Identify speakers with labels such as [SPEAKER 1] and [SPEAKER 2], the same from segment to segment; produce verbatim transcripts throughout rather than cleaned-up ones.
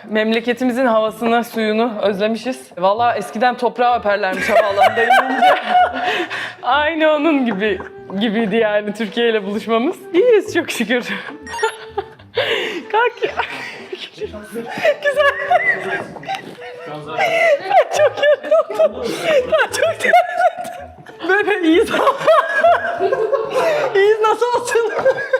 [SPEAKER 1] Memleketimizin havasını, suyunu özlemişiz. Vallahi eskiden toprağa öperlermiş havaalanında inince. Aynı onun gibi gibiydi yani Türkiye ile buluşmamız. İyiyiz çok şükür. Kalk ya. Güzel. Ben çok yoruldum. Ben çok yoruldum. Böyle iyiyiz. İyiyiz nasıl olsun?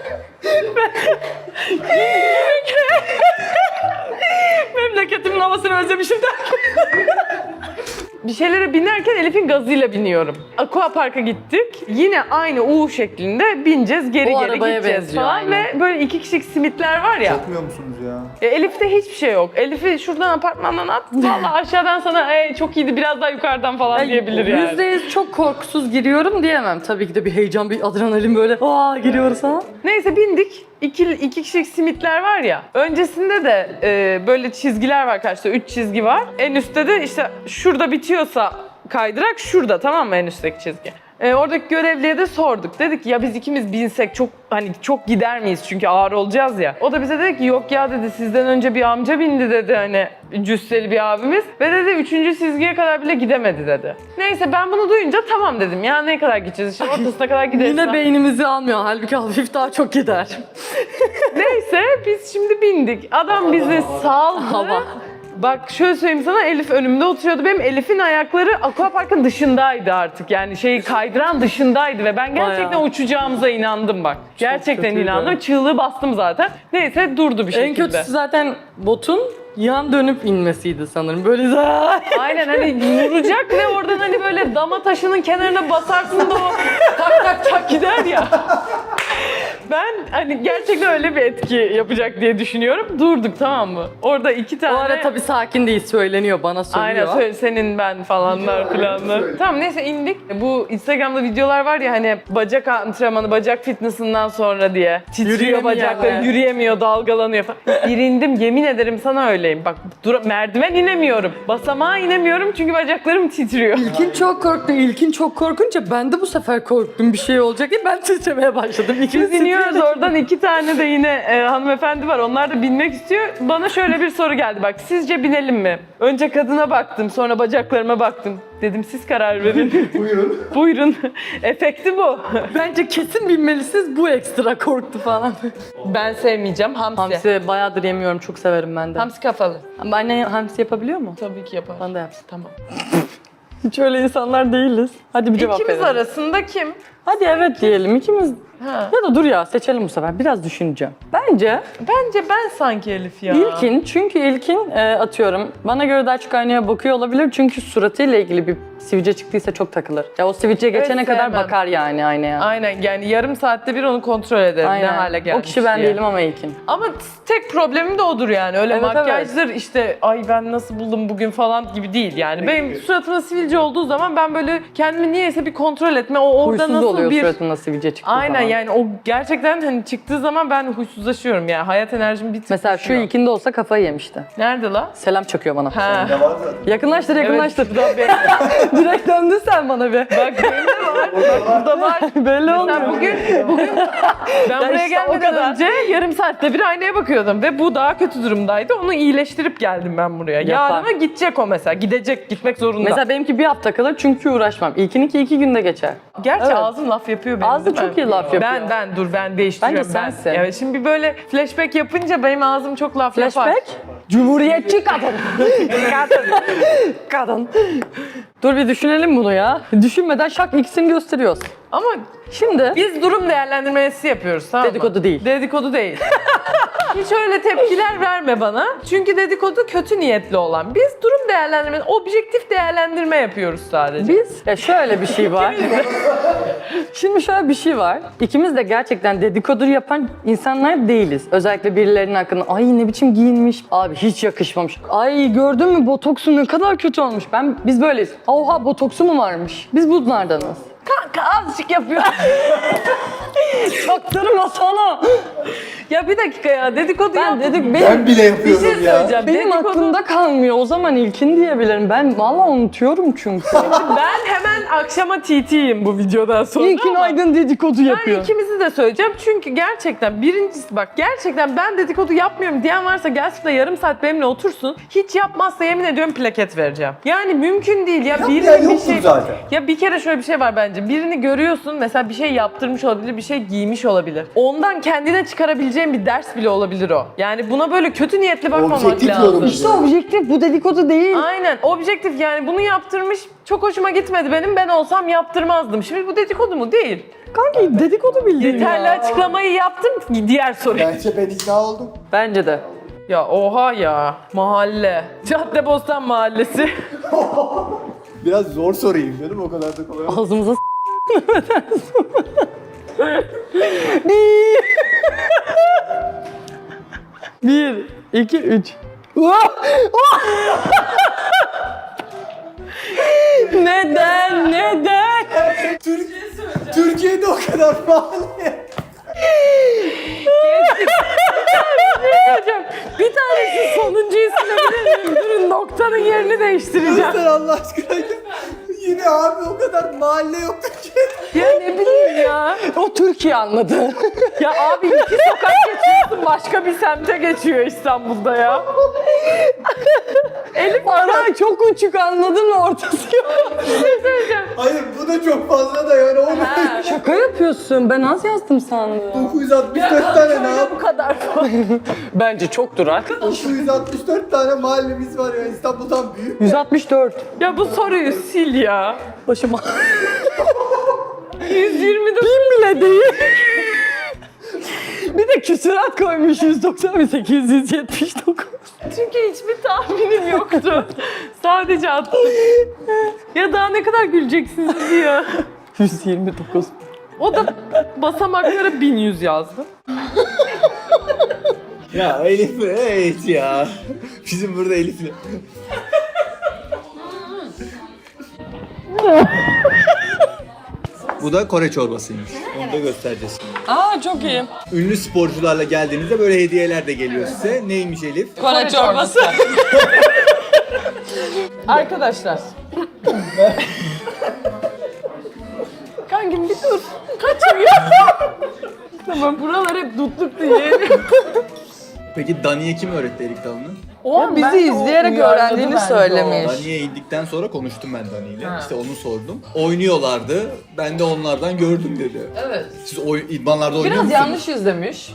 [SPEAKER 1] Memleketimin havasını özlemişim derken. Bir şeylere binerken Elif'in gazıyla biniyorum. Aqua Park'a gittik. Yine aynı U şeklinde bineceğiz, geri
[SPEAKER 2] O
[SPEAKER 1] geri
[SPEAKER 2] arabaya
[SPEAKER 1] gideceğiz
[SPEAKER 2] benziyor,
[SPEAKER 1] falan.
[SPEAKER 2] aynen.
[SPEAKER 1] Ve böyle iki kişilik simitler var ya.
[SPEAKER 3] Korkmuyor musunuz ya?
[SPEAKER 1] E, Elif'te hiçbir şey yok. Elif'i şuradan apartmandan at. Vallahi aşağıdan sana e, çok iyiydi biraz daha yukarıdan falan diyebilir yani.
[SPEAKER 2] Yüzde yüz çok korkusuz giriyorum diyemem. Tabii ki de bir heyecan, bir adrenalin böyle aa giriyoruz ha.
[SPEAKER 1] Neyse bindik. İki, iki kişilik simitler var ya. Öncesinde de e, böyle çizgiler var karşıda. Üç çizgi var. En üstte de işte şurada bitiyorsa kaydırak şurada, tamam mı, en üstteki çizgi. E, oradaki görevliye de sorduk. Dedik ya biz ikimiz binsek çok hani çok gider miyiz çünkü ağır olacağız ya. O da bize dedi ki yok ya dedi, sizden önce bir amca bindi dedi, hani cüsseli bir abimiz. Ve dedi üçüncü çizgiye kadar bile gidemedi dedi. Neyse ben bunu duyunca tamam dedim ya, ne kadar gideceğiz işte ortasına kadar gideriz.
[SPEAKER 2] Yine beynimizi almıyor. Halbuki hafif daha çok gider.
[SPEAKER 1] Neyse biz şimdi bindik. Adam bizi saldı.
[SPEAKER 2] Hava.
[SPEAKER 1] Bak şöyle söyleyeyim sana, Elif önümde oturuyordu. Benim Elif'in ayakları aquaparkın dışındaydı artık. Yani şeyi kaydıran dışındaydı ve ben gerçekten
[SPEAKER 2] Bayağı.
[SPEAKER 1] uçacağımıza inandım bak. Gerçekten
[SPEAKER 2] kötüydü.
[SPEAKER 1] inandım. Çığlığı bastım zaten. Neyse durdu bir şekilde.
[SPEAKER 2] En kötüsü zaten botun yan dönüp inmesiydi sanırım. Böyle zaaa.
[SPEAKER 1] Aynen hani vuracak ve oradan hani böyle dama taşının kenarına basarsın da o tak tak tak gider ya. Ben hani gerçekten öyle bir etki yapacak diye düşünüyorum. Durduk, tamam mı? Orada iki tane...
[SPEAKER 2] O ara tabii sakin değil, söyleniyor, bana söylüyor.
[SPEAKER 1] Aynen söyle, senin ben falanlar filanlar. Tamam neyse indik. Bu Instagram'da videolar var ya hani bacak antrenmanı, bacak fitnessinden sonra diye. Titriyor
[SPEAKER 2] Yürüyemiyor
[SPEAKER 1] bacakları,
[SPEAKER 2] yani.
[SPEAKER 1] yürüyemiyor, dalgalanıyor falan. Bir indim, yemin ederim sana öyleyim. Bak dur, merdiven inemiyorum. Basamağa inemiyorum çünkü bacaklarım titriyor.
[SPEAKER 2] İlkin çok korktu. İlkin çok korkunca ben de bu sefer korktum bir şey olacak diye ben titremeye başladım. İkimiz
[SPEAKER 1] Biz iniyoruz
[SPEAKER 2] titriyorduk.
[SPEAKER 1] oradan, iki tane de yine e, hanımefendi var. Onlar da binmek istiyor. Bana şöyle bir soru geldi bak. Sizce binelim mi? Önce kadına baktım, sonra bacaklarıma baktım. Dedim siz karar verin.
[SPEAKER 3] Buyurun.
[SPEAKER 1] Buyurun. Efekti bu.
[SPEAKER 2] Bence kesin binmelisiniz, bu ekstra korktu falan.
[SPEAKER 1] Ben sevmeyeceğim. Hamsi. Hamsi,
[SPEAKER 2] Hamsi bayağıdır yemiyorum, çok severim ben de.
[SPEAKER 1] kafalı.
[SPEAKER 2] Ama anne hamsi yapabiliyor mu?
[SPEAKER 1] Tabii ki yapar.
[SPEAKER 2] Bana da yapsın.
[SPEAKER 1] Tamam.
[SPEAKER 2] Hiç öyle insanlar değiliz. Hadi bir cevap
[SPEAKER 1] İkimiz
[SPEAKER 2] verelim.
[SPEAKER 1] arasında kim?
[SPEAKER 2] Hadi evet diyelim ikimiz.
[SPEAKER 1] Ha.
[SPEAKER 2] Ya da dur ya, seçelim bu sefer. Biraz düşüneceğim. Bence
[SPEAKER 1] Bence ben sanki Elif ya.
[SPEAKER 2] İlkin, çünkü İlkin e, atıyorum bana göre daha çok aynaya bakıyor olabilir çünkü suratıyla ilgili bir sivilce çıktıysa çok takılır. Ya o sivilce geçene kadar
[SPEAKER 1] sevmem.
[SPEAKER 2] bakar yani aynaya.
[SPEAKER 1] Aynen, yani yarım saatte bir onu kontrol ederim ne hale gelmiş
[SPEAKER 2] O kişi ben
[SPEAKER 1] diye.
[SPEAKER 2] değilim ama İlkin.
[SPEAKER 1] Ama tek problemim de odur yani. Öyle
[SPEAKER 2] Evet,
[SPEAKER 1] makyajdır işte ay ben nasıl buldum bugün falan gibi değil yani. Benim suratımda sivilce olduğu zaman ben böyle kendimi niyeyse bir kontrol etme. O orada
[SPEAKER 2] Huysuz
[SPEAKER 1] nasıl
[SPEAKER 2] oluyor
[SPEAKER 1] bir...
[SPEAKER 2] suratında sivilce çıktığı
[SPEAKER 1] Aynen
[SPEAKER 2] zaman.
[SPEAKER 1] yani o gerçekten hani çıktığı zaman ben huysuzlaşıyorum yani. Hayat enerjim bir tık
[SPEAKER 2] Mesela şu
[SPEAKER 1] düşüyor.
[SPEAKER 2] İlkin'de olsa kafayı yemişti.
[SPEAKER 1] Nerede la?
[SPEAKER 2] Selam çakıyor bana.
[SPEAKER 1] Ha.
[SPEAKER 3] Ne var zaten?
[SPEAKER 2] Yakınlaştır yakınlaştır.
[SPEAKER 1] Evet, burada belli.
[SPEAKER 2] Direkt döndün sen bana bir.
[SPEAKER 1] Bak belli var. Bak burada var.
[SPEAKER 2] Belli olmuyor.
[SPEAKER 1] Sen bugün, bugün ben buraya
[SPEAKER 2] işte o
[SPEAKER 1] gelmeden
[SPEAKER 2] kadar.
[SPEAKER 1] önce yarım saatte bir aynaya bakıyordum ve bu daha kötü durumdaydı. Onu iyileştirip geldim ben buraya.
[SPEAKER 2] Yapar.
[SPEAKER 1] Yarına gidecek o mesela. Gidecek, gitmek zorunda.
[SPEAKER 2] Mesela benimki bir hafta kalır çünkü uğraşmam. İlkininki iki günde geçer.
[SPEAKER 1] Gerçi
[SPEAKER 2] Evet.
[SPEAKER 1] ağzım laf yapıyor benim.
[SPEAKER 2] Ağzı
[SPEAKER 1] değil mi?
[SPEAKER 2] çok iyi laf yapıyor.
[SPEAKER 1] Ben ben dur ben değiştiriyorum.
[SPEAKER 2] Bence
[SPEAKER 1] ben.
[SPEAKER 2] sensin.
[SPEAKER 1] Evet, şimdi böyle flashback yapınca benim ağzım çok laf yapar.
[SPEAKER 2] Flashback. Cumhuriyetçi kadın. kadın. Kadın. Dur bir düşünelim bunu ya. Düşünmeden şak ikisini gösteriyoruz.
[SPEAKER 1] Ama
[SPEAKER 2] Şimdi
[SPEAKER 1] biz durum değerlendirmesi yapıyoruz, tamam mı?
[SPEAKER 2] Dedikodu değil.
[SPEAKER 1] Dedikodu değil. Hiç öyle tepkiler verme bana. Çünkü dedikodu kötü niyetli olan. Biz durum değerlendirme, objektif değerlendirme yapıyoruz sadece.
[SPEAKER 2] biz ya şöyle bir şey var. Şimdi şöyle bir şey var. İkimiz de gerçekten dedikodu yapan insanlar değiliz. Özellikle birilerinin hakkında ay ne biçim giyinmiş. Abi hiç yakışmamış. Ay gördün mü botoksu ne kadar kötü olmuş. Ben biz böyleyiz. Oha botoksu mu varmış? Biz bunlardanız.
[SPEAKER 1] Kanka azıcık yapıyor.
[SPEAKER 2] Çaktırma sana.
[SPEAKER 1] Ya bir dakika ya dedikodu
[SPEAKER 2] Ben
[SPEAKER 1] yap.
[SPEAKER 2] dedik
[SPEAKER 3] Ben
[SPEAKER 2] benim,
[SPEAKER 3] bile
[SPEAKER 1] Bir
[SPEAKER 3] yapıyorum
[SPEAKER 1] şey
[SPEAKER 3] ya.
[SPEAKER 1] söyleyeceğim.
[SPEAKER 2] benim
[SPEAKER 1] dedikodu...
[SPEAKER 2] aklımda kalmıyor. O zaman ilkin diyebilirim. Ben valla unutuyorum çünkü.
[SPEAKER 1] Ben hemen akşama T T'yim bu videodan sonra
[SPEAKER 2] İlkin
[SPEAKER 1] ama...
[SPEAKER 2] Aydın dedikodu
[SPEAKER 1] Ben
[SPEAKER 2] yapıyor.
[SPEAKER 1] ikimizi de söyleyeceğim çünkü gerçekten birincisi bak gerçekten ben dedikodu yapmıyorum diyen varsa gelsin de yarım saat benimle otursun. Hiç yapmazsa yemin ediyorum plaket vereceğim. Yani mümkün değil ya
[SPEAKER 3] Yapmayan
[SPEAKER 1] birinin bir
[SPEAKER 3] yoktur
[SPEAKER 1] şey...
[SPEAKER 3] zaten.
[SPEAKER 1] Ya bir kere şöyle bir şey var bence. Birini görüyorsun mesela bir şey yaptırmış olabilir, bir şey giymiş olabilir. Ondan kendine çıkarabileceğin bir ders bile olabilir o. Yani buna böyle kötü niyetli bakmamak
[SPEAKER 3] Objektif
[SPEAKER 1] lazım.
[SPEAKER 3] yorum.
[SPEAKER 2] İşte objektif, bu dedikodu değil.
[SPEAKER 1] Aynen objektif yani bunu yaptırmış çok hoşuma gitmedi benim ben olsam yaptırmazdım. Şimdi bu dedikodu mu? Değil.
[SPEAKER 2] Kanki dedikodu bildiğin
[SPEAKER 1] Yeterli
[SPEAKER 2] ya.
[SPEAKER 1] açıklamayı yaptım diğer soruya.
[SPEAKER 3] Bence ben ikna oldum.
[SPEAKER 2] Bence de.
[SPEAKER 1] Ya oha ya mahalle. Caddebostan mahallesi.
[SPEAKER 3] Biraz zor sorayım canım, o kadar da kolay.
[SPEAKER 2] Ağzımıza s***. Bir, iki, üç. Neden? Neden?
[SPEAKER 3] Türk, Türkiye'de o kadar mahalle.
[SPEAKER 1] Hocam bir tanesi sonuncuyu silebilir miyim? Durun noktanın yerini değiştireceğim.
[SPEAKER 3] Sen Allah aşkına. Yine abi o kadar mahalle yok Türkiye'de.
[SPEAKER 1] Ya ne bileyim ya.
[SPEAKER 2] O Türkiye anladı.
[SPEAKER 1] Ya abi iki sokak geçiyorsun başka bir semte geçiyor İstanbul'da ya.
[SPEAKER 2] Elif ara çok uçuk, anladın mı, ortası yok.
[SPEAKER 3] Hayır bu da çok fazla da yani o
[SPEAKER 2] Şaka yapıyorsun, ben az yazdım sandım.
[SPEAKER 3] dokuz yüz altmış dört tane ne yap?
[SPEAKER 1] Bu kadar.
[SPEAKER 2] Bence çoktur ha.
[SPEAKER 3] dokuz yüz altmış dört tane mahallemiz var ya, İstanbul'dan büyük.
[SPEAKER 2] yüz altmış dört.
[SPEAKER 1] Ya bu soruyu sil ya.
[SPEAKER 2] Başıma.
[SPEAKER 1] yüz yirmi dokuz.
[SPEAKER 2] Bin bile değil. Bir de küsurat koymuş, yüz doksan sekiz yüz yetmiş dokuz.
[SPEAKER 1] Çünkü hiçbir tahminim yoktu. Sadece attım. Ya daha ne kadar güleceksiniz ya.
[SPEAKER 2] yüz yirmi dokuz.
[SPEAKER 1] O da basamaklara bin yüz yazdı.
[SPEAKER 3] Ya Elif evet ya. Bizim burada Elif'le. Bu da Kore çorbasıymış. Onu da göstereceğiz şimdi.
[SPEAKER 2] Aa çok iyi.
[SPEAKER 3] Ünlü sporcularla geldiğinizde böyle hediyeler de geliyor size. Neymiş Elif?
[SPEAKER 2] Kore çorbası.
[SPEAKER 1] Arkadaşlar. Kankim bir dur. Kaçıyor. Tamam buralar hep dutluk diye.
[SPEAKER 3] Peki Dani'ye kim öğretti Erik Dalı'nı?
[SPEAKER 1] O
[SPEAKER 2] Ya bizi izleyerek öğrendiğini söylemiş.
[SPEAKER 3] Dani'ye indikten sonra konuştum ben Dani ile. İşte onu sordum. Oynuyorlardı. Ben de onlardan gördüm dedi.
[SPEAKER 1] Evet.
[SPEAKER 3] Siz oy, idmanlarda oynuyor
[SPEAKER 2] Biraz
[SPEAKER 3] musunuz?
[SPEAKER 2] yanlış izlemiş.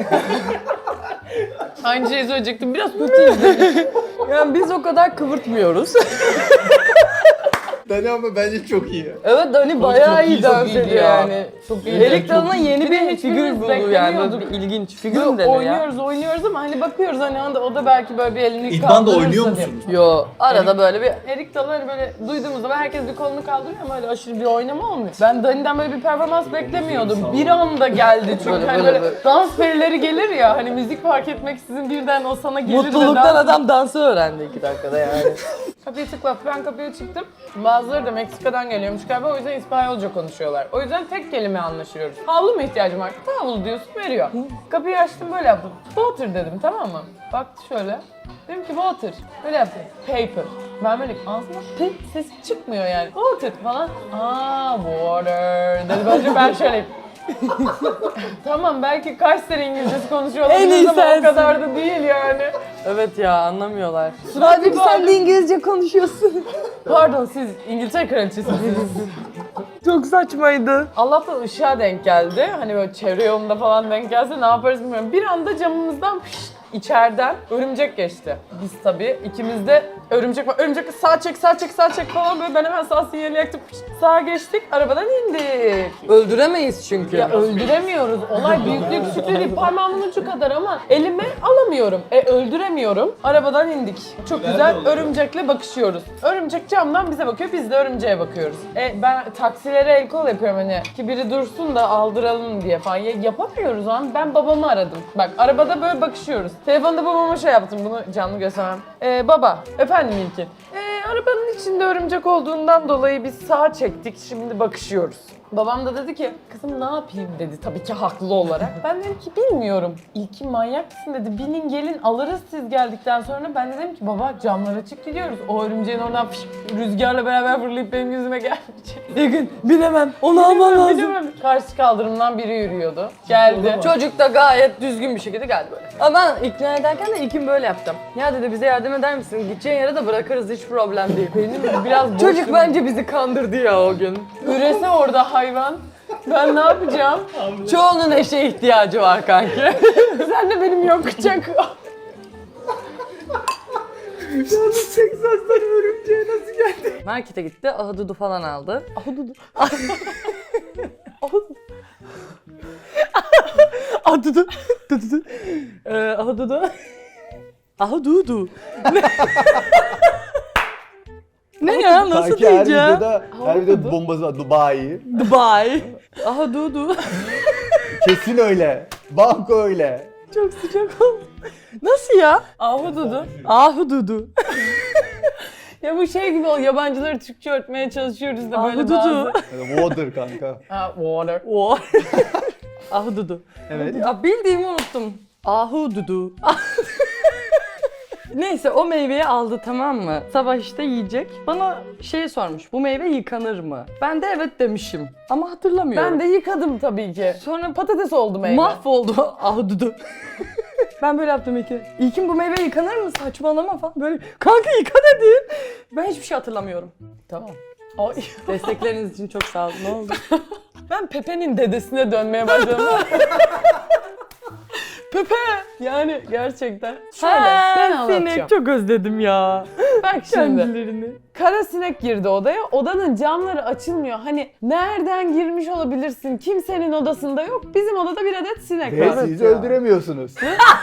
[SPEAKER 1] Aynı şeyi söyleyecektim. Biraz kötü izledim.
[SPEAKER 2] Yani biz o kadar kıvırtmıyoruz.
[SPEAKER 3] Dani ama bence çok iyi.
[SPEAKER 2] Evet, Dani bayağı
[SPEAKER 1] çok iyi,
[SPEAKER 2] iyi
[SPEAKER 1] çok
[SPEAKER 2] dans
[SPEAKER 1] iyiydi
[SPEAKER 2] ediyor
[SPEAKER 1] ya.
[SPEAKER 2] yani.
[SPEAKER 1] Çok iyi.
[SPEAKER 2] Erik Dalı'na yeni
[SPEAKER 1] Bir de
[SPEAKER 2] bir
[SPEAKER 1] hiçbirimiz
[SPEAKER 2] figür buldu yani. Böyle
[SPEAKER 1] beklemiyorduk.
[SPEAKER 2] bir ilginç figür
[SPEAKER 1] Yo,
[SPEAKER 2] mü denir ya?
[SPEAKER 1] oynuyoruz oynuyoruz ama hani bakıyoruz hani anda o da belki böyle bir elini
[SPEAKER 3] İdmanda
[SPEAKER 1] kaldırırsa
[SPEAKER 3] oynuyor
[SPEAKER 1] diye.
[SPEAKER 3] musunuz?
[SPEAKER 2] Yo, arada böyle bir
[SPEAKER 1] Erik Dalı hani böyle duyduğumuzda böyle herkes bir kolunu kaldırıyor ama öyle aşırı bir oynama olmuyor. Ben Dani'den böyle bir performans beklemiyordum. Bir anda geldi çünkü
[SPEAKER 2] Böyle,
[SPEAKER 1] hani
[SPEAKER 2] böyle,
[SPEAKER 1] böyle,
[SPEAKER 2] böyle.
[SPEAKER 1] dans perileri gelir ya hani müzik fark etmeksizin birden o sana gelir
[SPEAKER 2] mutluluktan
[SPEAKER 1] ve dans-
[SPEAKER 2] adam dansı öğrendi iki dakikada yani.
[SPEAKER 1] Kapıyı tıkla, ben kapıya çıktım. Bazıları da Meksika'dan geliyormuş galiba o yüzden İspanyolca konuşuyorlar. O yüzden tek kelime anlaşıyoruz. Havlu mu ihtiyacım var? Havlu diyorsun veriyor. Kapıyı açtım böyle yaptım. Water dedim tamam mı? Baktı şöyle. Dedim ki water. Böyle yaptım. Paper. Ben böyle ağzıma pıt ses çıkmıyor yani. Water falan. Aa water dedi. Bence ben şöyle tamam belki kaç sene İngilizcesi konuşuyor
[SPEAKER 2] En
[SPEAKER 1] olabiliriz
[SPEAKER 2] iyi
[SPEAKER 1] ama o
[SPEAKER 2] sensin.
[SPEAKER 1] kadar da değil yani.
[SPEAKER 2] Evet ya, anlamıyorlar.
[SPEAKER 1] Suratı
[SPEAKER 2] sen de
[SPEAKER 1] böyle-
[SPEAKER 2] İngilizce konuşuyorsun.
[SPEAKER 1] Pardon siz İngiltere kraliçesiniz.
[SPEAKER 2] Çok saçmaydı.
[SPEAKER 1] Allah'tan ışığa denk geldi. Hani böyle çevre yolunda falan denk gelse ne yaparız bilmiyorum. Bir anda camımızdan pişt, içeriden örümcek geçti. Biz tabii ikimiz de örümcek var. Örümcek sağ çek sağ çek sağ çek falan böyle ben hemen sağ sinyali yaktım. Pişt, sağa geçtik arabadan indik.
[SPEAKER 2] Öldüremeyiz çünkü.
[SPEAKER 1] Ya öldüremiyoruz. Olay büyüklük küçüklüğü değil. Parmağımın ucu kadar ama elime alamıyorum. E öldüremiyorum. Arabadan indik. Çok güzel örümcekle bakışıyoruz. Örümcek camdan bize bakıyor. Biz de örümceğe bakıyoruz. E ben taksilere el kol yapıyorum hani ki biri dursun da aldıralım diye falan. Ya, yapamıyoruz o an. Ben babamı aradım. Bak arabada böyle bakışıyoruz. Telefonda babama şey yaptım. Bunu canlı göstermem. E, baba. Efendim İlkin. E, arabanın içinde örümcek olduğundan dolayı biz sağa çektik. Şimdi bakışıyoruz. Babam da dedi ki kızım ne yapayım dedi tabii ki haklı olarak. Ben dedim ki bilmiyorum. İlki manyak mısın dedi. Binin gelin alırız siz geldikten sonra. Ben de dedim ki baba camlar açık gidiyoruz. O örümceğin oradan fış, rüzgarla beraber fırlayıp benim yüzüme gelmeyecek.
[SPEAKER 2] Bir gün bilemem. Onu alman lazım.
[SPEAKER 1] Bilemem. Karşı kaldırımdan biri yürüyordu. Geldi.
[SPEAKER 2] Çocuk da gayet düzgün bir şekilde geldi böyle. Ama ben ikna ederken de ilkim böyle yaptım. Ya dedi bize yardım eder misin? Gideceğin yere de bırakırız hiç problem değil.
[SPEAKER 1] Benim biraz boş.
[SPEAKER 2] Çocuk bence bizi kandırdı ya o gün.
[SPEAKER 1] Ürese orada hayvan. Ben ne yapacağım?
[SPEAKER 2] Çoğunun eşe ihtiyacı var kanki.
[SPEAKER 1] Sen de benim yokacak.
[SPEAKER 3] Yalnız Texas'tan örümceğe nasıl geldi?
[SPEAKER 2] Markete gitti, ahududu falan aldı.
[SPEAKER 1] Ahududu.
[SPEAKER 2] Ahududu. Dududu. Ee, ahududu. Ahududu. Ne ya? Nasıl
[SPEAKER 3] Sanki her
[SPEAKER 2] diyeceğim?
[SPEAKER 3] videoda, her videoda bombası var. Dubai.
[SPEAKER 2] Dubai. Ahududu.
[SPEAKER 3] Kesin öyle. Banko öyle.
[SPEAKER 2] Çok sıcak oldu. Nasıl ya?
[SPEAKER 1] Ahududu.
[SPEAKER 2] Ahududu.
[SPEAKER 1] Ya bu şey gibi o yabancıları Türkçe öğretmeye çalışıyoruz da böyle
[SPEAKER 2] Ahududu.
[SPEAKER 1] bazı.
[SPEAKER 3] Water kanka.
[SPEAKER 1] Ha, water.
[SPEAKER 2] O. Ahududu.
[SPEAKER 3] Evet.
[SPEAKER 2] Ya bildiğimi unuttum. Ahududu. Neyse o meyveyi aldı tamam mı? Sabah işte yiyecek. Bana şey sormuş. Bu meyve yıkanır mı? Ben de evet demişim. Ama hatırlamıyorum.
[SPEAKER 1] Ben de yıkadım tabii ki.
[SPEAKER 2] Sonra
[SPEAKER 1] Patates oldu meyve.
[SPEAKER 2] mahvoldu ahududu. Ben böyle yaptım iki. İlkin bu meyve yıkanır mı? Saçmalama falan. Böyle kanka yıka dedin. Ben hiçbir şey hatırlamıyorum.
[SPEAKER 1] Tamam. Ay.
[SPEAKER 2] Destekleriniz için çok sağ olun. Ne oldu?
[SPEAKER 1] Ben Pepe'nin dedesine dönmeye başladım. Pepe! Yani gerçekten. Şöyle ben anlatacağım.
[SPEAKER 2] sinek çok özledim ya.
[SPEAKER 1] Bak şimdi.
[SPEAKER 2] Kendilerini.
[SPEAKER 1] Kara sinek girdi odaya. Odanın camları açılmıyor. Hani nereden girmiş olabilirsin? Kimsenin odasında yok. Bizim odada bir adet sinek
[SPEAKER 3] Ve
[SPEAKER 1] var.
[SPEAKER 3] siz öldüremiyorsunuz.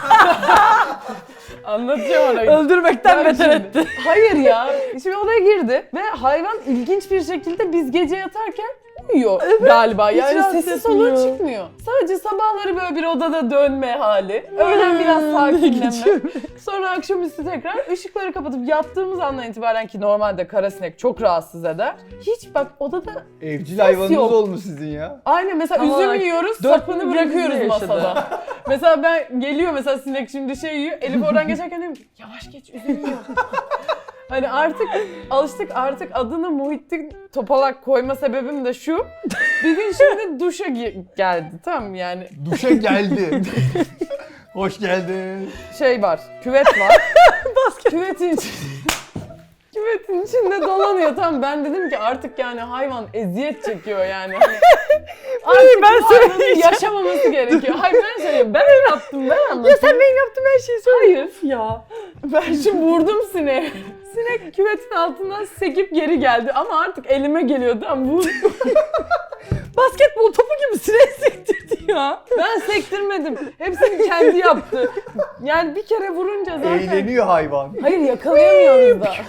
[SPEAKER 1] Anlatacağım orayı.
[SPEAKER 2] Öldürmekten
[SPEAKER 1] Bak
[SPEAKER 2] beter
[SPEAKER 1] şimdi.
[SPEAKER 2] etti.
[SPEAKER 1] Hayır ya. Şimdi odaya girdi ve hayvan ilginç bir şekilde biz gece yatarken uyuyor galiba.
[SPEAKER 2] hiç
[SPEAKER 1] Yani
[SPEAKER 2] rahatsız
[SPEAKER 1] sesi soluğu
[SPEAKER 2] etmiyor.
[SPEAKER 1] çıkmıyor. Sadece sabahları böyle bir odada dönme hali. Öğlen biraz sakinleme. Sonra akşamüstü tekrar ışıkları kapatıp yattığımız andan itibaren ki normalde karasinek çok rahatsız eder. Hiç bak odada
[SPEAKER 3] Evcil hayvanınız
[SPEAKER 1] yok.
[SPEAKER 3] olmuş sizin ya.
[SPEAKER 1] aynen mesela
[SPEAKER 2] Tam
[SPEAKER 1] üzüm
[SPEAKER 2] olarak
[SPEAKER 1] yiyoruz,
[SPEAKER 2] dört
[SPEAKER 1] sapını
[SPEAKER 2] gün
[SPEAKER 1] bırakıyoruz
[SPEAKER 2] bizde yaşadı.
[SPEAKER 1] masada. Mesela ben geliyor mesela sinek şimdi şey yiyor. Elif oradan geçerken diyorum ki yavaş geç üzüm yiyor. Hani artık alıştık artık adını Muhittin Topalak koyma sebebim de şu. Bir gün şimdi duşa gi- geldi tamam mı? Yani
[SPEAKER 3] Duşa geldi. Hoş geldin.
[SPEAKER 1] şey var, küvet var. Küvetin içi- Küvetin içinde dolanıyor tamam ben dedim ki artık yani hayvan eziyet çekiyor yani. Hani artık
[SPEAKER 2] ben
[SPEAKER 1] bu hayvanın
[SPEAKER 2] söyleyeceğim.
[SPEAKER 1] yaşamaması gerekiyor. Hayır ben söyleyeyim ben mi yaptım ben anlatayım.
[SPEAKER 2] Ya sen benim yaptığım her şeyi söyle.
[SPEAKER 1] Hayır.
[SPEAKER 2] Ya.
[SPEAKER 1] Ben şimdi vurdum sineği. Sinek küvetin altından sekip geri geldi ama artık elime geliyor tamam bu.
[SPEAKER 2] Basketbol topu gibi sinek sektirdi ya.
[SPEAKER 1] Ben sektirmedim. Hepsini kendi yaptı. Yani bir kere vurunca zaten.
[SPEAKER 3] Eğleniyor hayvan.
[SPEAKER 1] Hayır yakalayamıyoruz da.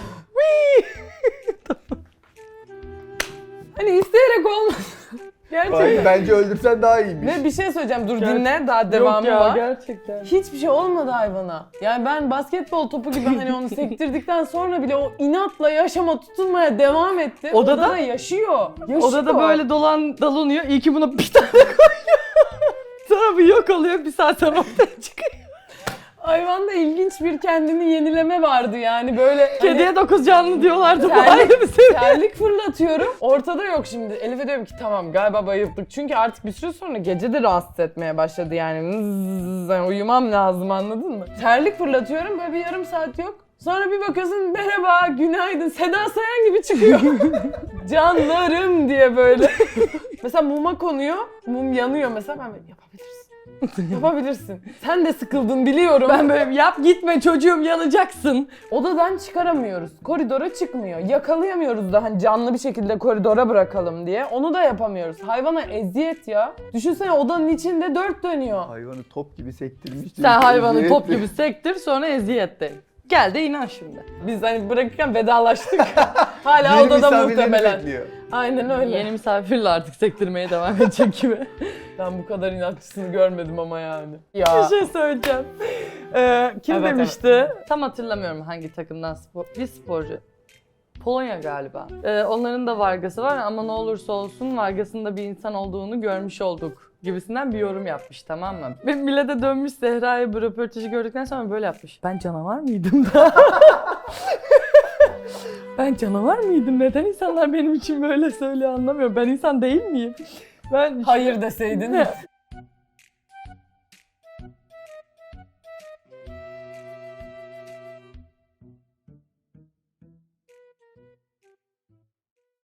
[SPEAKER 1] Hani isteyerek olmaz. Gerçekten.
[SPEAKER 3] Ay, bence öldürsen daha iyiymiş.
[SPEAKER 1] Ve bir şey söyleyeceğim dur
[SPEAKER 2] Gerçekten.
[SPEAKER 1] dinle daha devamı
[SPEAKER 2] Yok ya,
[SPEAKER 1] var.
[SPEAKER 2] gerçekten.
[SPEAKER 1] Hiçbir şey olmadı hayvana. Yani ben basketbol topu gibi hani onu sektirdikten sonra bile o inatla yaşama tutunmaya devam etti.
[SPEAKER 2] Odada?
[SPEAKER 1] Odada yaşıyor. yaşıyor.
[SPEAKER 2] Odada böyle dolan dalanıyor. İyi ki buna bir tane koyuyor. Sonra bir yok oluyor. Bir saat sonra ortaya çıkıyor.
[SPEAKER 1] Hayvanda ilginç bir kendini yenileme vardı yani böyle hani
[SPEAKER 2] Kediye dokuz canlı diyorlardı. Bu
[SPEAKER 1] terlik-
[SPEAKER 2] ayrı bir seviye.
[SPEAKER 1] terlik fırlatıyorum. Ortada yok şimdi. Elif'e diyorum ki tamam galiba bayıldık. Çünkü artık bir süre sonra gece de rahatsız etmeye başladı yani. Zzzz, yani uyumam lazım anladın mı? Terlik fırlatıyorum böyle bir yarım saat yok. Sonra bir bakıyorsun merhaba, günaydın, Seda Sayan gibi çıkıyor. Canlarım diye böyle. Mesela muma konuyor, mum yanıyor mesela ben böyle yapabilirsin. Yapabilirsin. Sen de sıkıldın biliyorum.
[SPEAKER 2] Ben böyle yap gitme çocuğum yanacaksın.
[SPEAKER 1] Odadan çıkaramıyoruz. Koridora çıkmıyor. Yakalayamıyoruz da hani canlı bir şekilde koridora bırakalım diye. Onu da yapamıyoruz. Hayvana eziyet ya. Düşünsene odanın içinde dört dönüyor.
[SPEAKER 3] Hayvanı top gibi sektirmiş.
[SPEAKER 2] Sen hayvanı
[SPEAKER 3] Eziyet
[SPEAKER 2] top
[SPEAKER 3] mi?
[SPEAKER 2] gibi sektir sonra eziyet de. Gel de inan şimdi.
[SPEAKER 1] Biz hani bırakırken vedalaştık. Hala
[SPEAKER 3] Yeni
[SPEAKER 1] odada
[SPEAKER 3] misafirlerini
[SPEAKER 1] muhtemelen.
[SPEAKER 3] bekliyor.
[SPEAKER 1] Aynen öyle.
[SPEAKER 2] Yeni misafirle artık sektirmeye devam edecek gibi.
[SPEAKER 1] Ben bu kadar inatçısını görmedim ama yani.
[SPEAKER 2] Bir
[SPEAKER 1] Ya.
[SPEAKER 2] şey söyleyeceğim. Ee, kim
[SPEAKER 1] Evet,
[SPEAKER 2] demişti? Tam hatırlamıyorum hangi takımdan spor. Bir sporcu. Polonya galiba. Ee, onların da Vargas'ı var ama ne olursa olsun Vargas'ın da bir insan olduğunu görmüş olduk gibisinden bir yorum yapmış, tamam mı? Ve millete dönmüş, Zehra'ya bu röportajı gördükten sonra böyle yapmış. Ben canavar mıydım da? Ben canavar mıydım? Neden insanlar benim için böyle söylüyor anlamıyorum. Ben insan değil miyim? Ben
[SPEAKER 4] Hayır deseydin.